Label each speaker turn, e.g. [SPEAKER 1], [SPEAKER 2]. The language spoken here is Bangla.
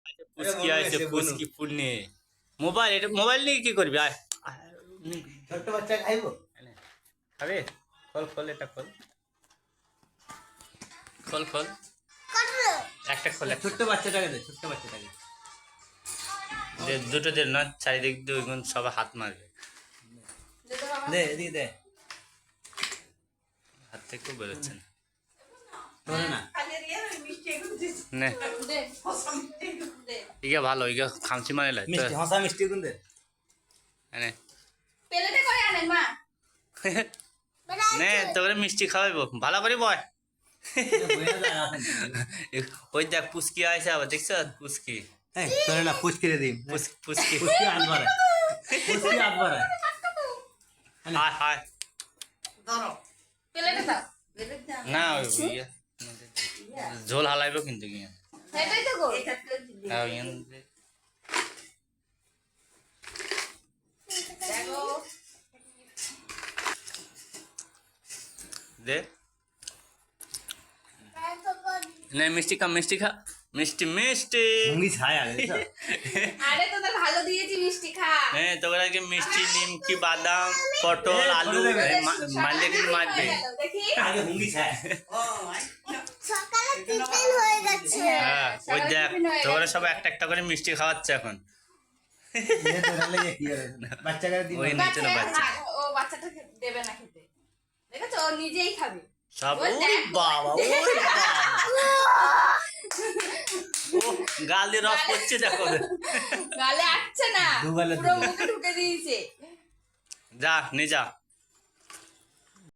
[SPEAKER 1] পুচকি আছে পুচকি ফুল নিয়ে মোবাইল, এটা মোবাইল নিয়ে কি করবি? আয় আয়,
[SPEAKER 2] ছোট্ট বাচ্চা খাইবো?
[SPEAKER 1] এনে, খাবে? খোল খোল, এটা খোল খোল খোল, একটা খোল, একটা
[SPEAKER 2] ছোট্ট বাচ্চাটাকে দে, ছোট্ট বাচ্চাটাকে
[SPEAKER 1] দে, দুটো দে না, চারিদিক দিয়ে ওইগুলো সবাই হাত মারবে।
[SPEAKER 2] দে, এদিকে দে।
[SPEAKER 1] হাত থেকে বেরোচ্ছে না।
[SPEAKER 2] ধরে না।
[SPEAKER 1] নে ইগা ভালো, ইগা খামচি মানে লাই তো।
[SPEAKER 2] মিষ্টি, হসা মিষ্টি গুন দে।
[SPEAKER 1] এনে
[SPEAKER 3] প্লেটে করে আনেন মা।
[SPEAKER 1] নে তোকে মিষ্টি খাওয়াইবো, ভালো করে বয়।
[SPEAKER 2] বইয়া যায় আসেন।
[SPEAKER 1] ওই দেখ পুচকি আছে আবার, দেখছ পুচকি?
[SPEAKER 2] এই ধরে না, পুচকি রে দিম।
[SPEAKER 1] পুচকি
[SPEAKER 2] পুচকি আনবারে। পুচকি আনবারে।
[SPEAKER 1] হায় হায়,
[SPEAKER 3] প্লেটে দাও।
[SPEAKER 1] না ওই ইয়ে, ঝোল হালাইবো কিন্তু গিয়ে।
[SPEAKER 3] সেটাই তো গো।
[SPEAKER 1] হ্যাঁ, ইয়ে
[SPEAKER 3] দেখো
[SPEAKER 1] দে, নে মিষ্টি খা, মিষ্টি খা, মিষ্টি মিষ্টি।
[SPEAKER 2] মুঙ্গি ছায় আগে তো।
[SPEAKER 3] আরে তোদের ভালো দিয়েছি মিষ্টি খা।
[SPEAKER 1] হ্যাঁ তোকে আজকে মিষ্টি, নিমকি, বাদাম, পটল, আলু মারলে কিন্তু মারবে।
[SPEAKER 3] দেখি
[SPEAKER 2] আগে মুঙ্গি ছায়।
[SPEAKER 4] সকালে টিফিন হয়ে গেছে।
[SPEAKER 1] হ্যাঁ ওই
[SPEAKER 3] সকালে
[SPEAKER 1] দেখ
[SPEAKER 3] টিফিন হয়ে
[SPEAKER 1] তোরা
[SPEAKER 3] গেছে।
[SPEAKER 1] সব একটা একটা করে মিষ্টি খাওয়াচ্ছে এখন।
[SPEAKER 2] এ ধরে লাগে কি হবে? বাচ্চাকে দিম।
[SPEAKER 1] ওই নিচে না বাচ্চা
[SPEAKER 3] ও বাচ্চাটাকে দেবে না খেতে, দেখেছো ও নিজেই খাবে।
[SPEAKER 1] সব।
[SPEAKER 3] ওই
[SPEAKER 1] ওই
[SPEAKER 3] দেখ।
[SPEAKER 1] বাবা, ওই বাবা, ও গাল দিয়ে রস পড়ছে দেখো।
[SPEAKER 3] গালে আসছে না,
[SPEAKER 2] দুগালে
[SPEAKER 3] পুরো
[SPEAKER 2] দুগালে।
[SPEAKER 3] মুখে ঢুকে দিয়েছে।
[SPEAKER 1] যা নে যা।